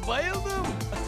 Bayıldım.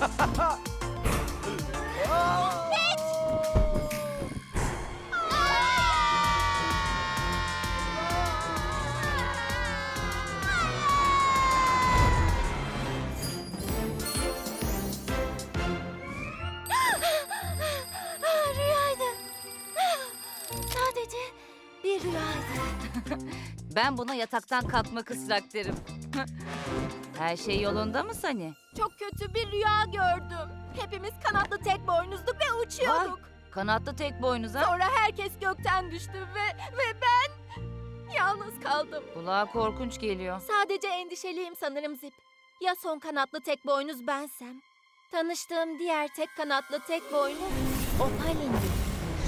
Rüyaydı. Sadece bir rüyaydı. Ben buna yataktan kalkma kısrak derim. Her şey yolunda mı Sani? Çok kötü bir rüya gördüm. Hepimiz kanatlı tek boynuzduk ve uçuyorduk. Kanatlı tek boynuz ha? Sonra herkes gökten düştü ve ben yalnız kaldım. Kulağa korkunç geliyor. Sadece endişeliyim sanırım Zip. Ya son kanatlı tek boynuz bensem? Tanıştığım diğer tek kanatlı tek boynuz Opal'indi.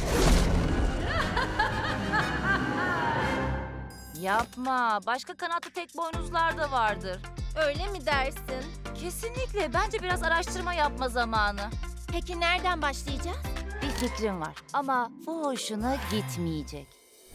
Yapma. Başka kanatlı tek boynuzlar da vardır. Öyle mi dersin? Kesinlikle. Bence biraz araştırma yapma zamanı. Peki nereden başlayacağız? Bir fikrim var ama bu hoşuna gitmeyecek.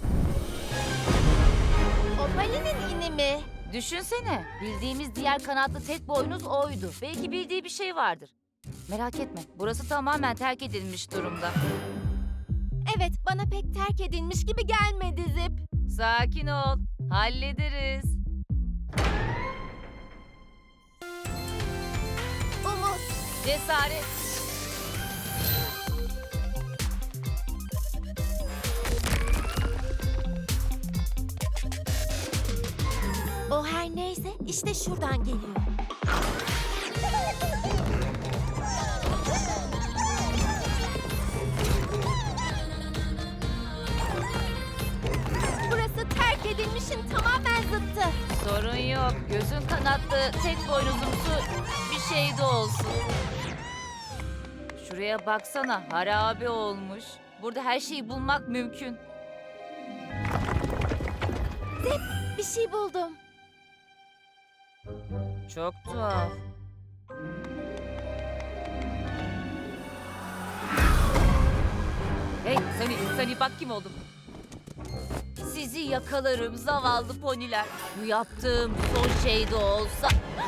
Opal'inin ini mi? Düşünsene. Bildiğimiz diğer kanatlı tek boynuz oydu. Belki bildiği bir şey vardır. Merak etme. Burası tamamen terk edilmiş durumda. Evet, bana pek terk edilmiş gibi gelmedi Zip. Sakin ol. Hallederiz. Umut, Cesaret. o her neyse işte şuradan geliyor. Burası terk edilmişin tamamen zıttı. Sorun yok. Gözün kanatlı tek boynuzumsu bir şey de olsun. Şuraya baksana. Harabe olmuş. Burada her şeyi bulmak mümkün. Bir şey buldum. Çok tuhaf. Hey Sani bak kim oldum. Sizi yakalarım zavallı poniler. Bu yaptığım son şey de olsa.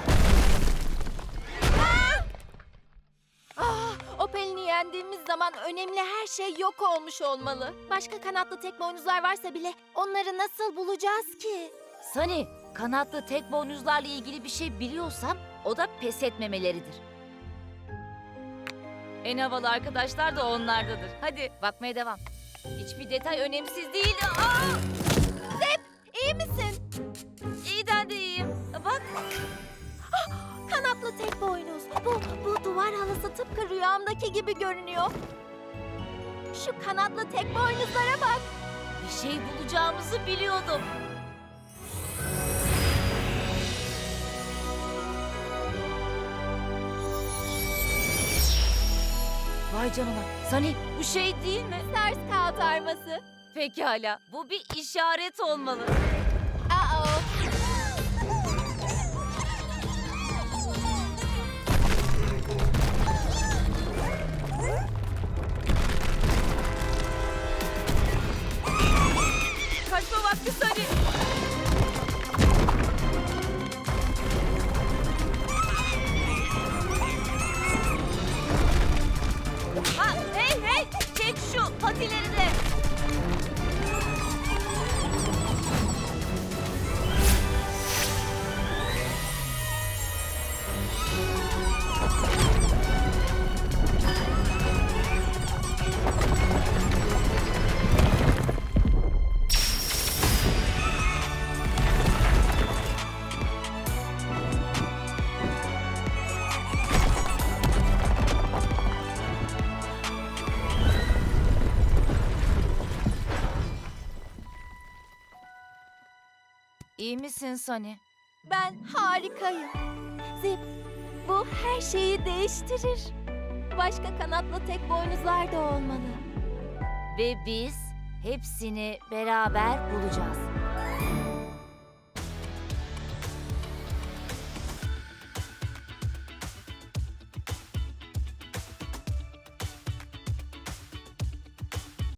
Opel'ini yendiğimiz zaman önemli her şey yok olmuş olmalı. Başka kanatlı tek boynuzlar varsa bile onları nasıl bulacağız ki? Sani, kanatlı tek boynuzlarla ilgili bir şey biliyorsam o da pes etmemeleridir. En havalı arkadaşlar da onlardadır. Hadi bakmaya devam. Hiçbir detay önemsiz değil. İyi misin? İyiden de iyiyim. Bak. Kanatlı tek boynuz. Bu duvar halısı tıpkı rüyamdaki gibi görünüyor. Şu kanatlı tek boynuzlara bak. Bir şey bulacağımızı biliyordum. Vay canına. Sani bu şey değil mi? Ters kağıt arması. Pekala. Bu bir işaret olmalı. Aa. Kaçma vakti Sani. Ha, hey! Çek şu patileri de. İyi misin Sani? Ben harikayım. Zip, bu her şeyi değiştirir. Başka kanatlı tek boynuzlar da olmalı. Ve biz hepsini beraber bulacağız.